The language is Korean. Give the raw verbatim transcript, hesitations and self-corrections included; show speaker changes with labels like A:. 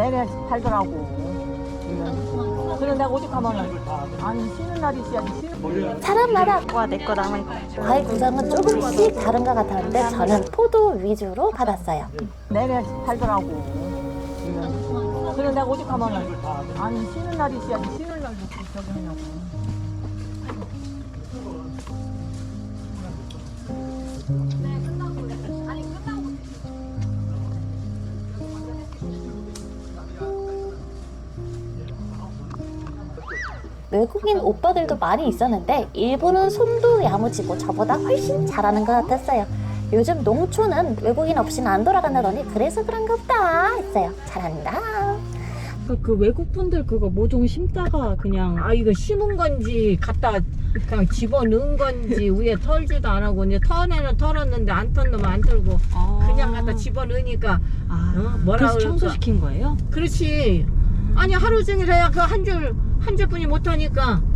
A: 내내 팔더라고. 그래 내가 오죽하면은 아니 쉬는 날이 있어야지. 쉬는
B: 사람마다
C: 와, 내 거 남은
B: 과일 구성은 조금씩 다른 것 같았는데 저는 포도 위주로 받았어요.
A: 내내 팔더라고. 그래 내가 오죽하면은 아니 쉬는 날이 있어야지. 쉬는 날도 저기 하냐고.
B: 외국인 오빠들도 많이 있었는데 일본은 손도 야무지고 저보다 훨씬 잘하는 것 같았어요. 요즘 농촌은 외국인 없이는 안 돌아간다더니 그래서 그런가 보다 했어요. 잘한다.
D: 그, 그 외국 분들 그거 모종 심다가 그냥 아 이거 심은 건지 갖다 그냥 집어 넣은 건지 위에 털지도 안 하고 이제 턴에는 털었는데 안 턴 놈은 안 털고
C: 아.
D: 그냥 갖다 집어 넣으니까
C: 아,
D: 어? 뭐라
C: 그래서
D: 그럴까?
C: 청소시킨 거예요?
D: 그렇지. 아니 하루 종일 해야 그 한 줄 한 줄뿐이 못 하니까